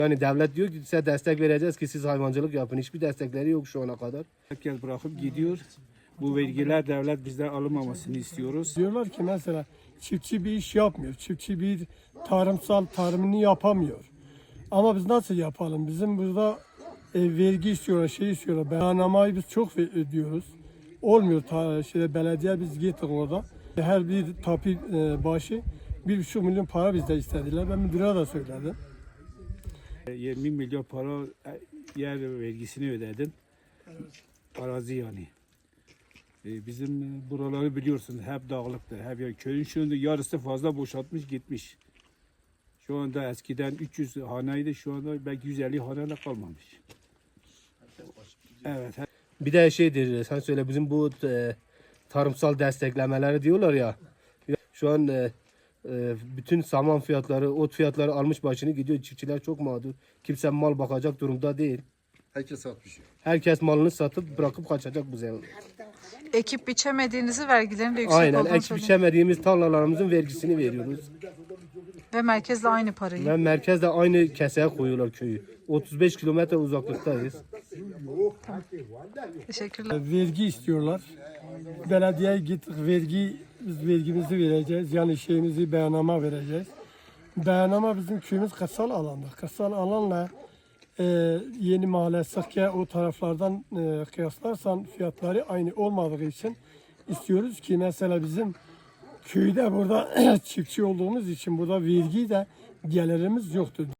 Yani devlet diyor ki size destek vereceğiz ki siz hayvancılık yapın. Hiçbir destekleri yok şu ana kadar. Herkes bırakıp gidiyor. Bu vergiler devlet bizden alınmamasını istiyoruz. Diyorlar ki mesela çiftçi bir iş yapmıyor. Çiftçi bir tarımını yapamıyor. Ama biz nasıl yapalım? Bizim burada vergi istiyorlar, şey istiyorlar. Beyannameyi biz çok ödüyoruz. Olmuyor belediye biz gittik orada. Her bir tapi başı 1,5 milyon para bizden istediler. Ben müdüre de söyledim. 20 milyon para yer vergisini ödedim. Arazi yani. Bizim buraları biliyorsunuz hep dağlıktır. Hep yani köyün şu anda yarısı fazla boşaltmış gitmiş. Şu anda eskiden 300 haneydi, şu anda belki 150 haneyle kalmamış. Evet. Bir de şeydir, sen söyle bizim bu tarımsal desteklemeleri diyorlar ya. Şu an bütün saman fiyatları, ot fiyatları almış başını gidiyor. Çiftçiler çok mağdur. Kimse mal bakacak durumda değil. Herkes satmış. Herkes malını satıp bırakıp kaçacak bu sene. Ekip biçemediğinizi, vergilerin de yüksek Aynen, olduğunu ekip söylüyor. biçemediğimiz tarlalarımızın vergisini veriyoruz. Ve merkezle aynı parayı. Ve merkezde aynı keseye koyuyorlar köyü. 35 kilometre uzaklıktayız. Teşekkürler. Vergi istiyorlar. Belediyeye gittik biz vergimizi vereceğiz. Yani şeyimizi beyanname vereceğiz. Beyanname bizim köyümüz kırsal alanda. Kırsal alanla Yeni Mahalle, Sıkke o taraflardan kıyaslarsan fiyatları aynı olmadığı için istiyoruz ki mesela bizim köyde burada çiftçi olduğumuz için burada vergi de gelirimiz yoktur.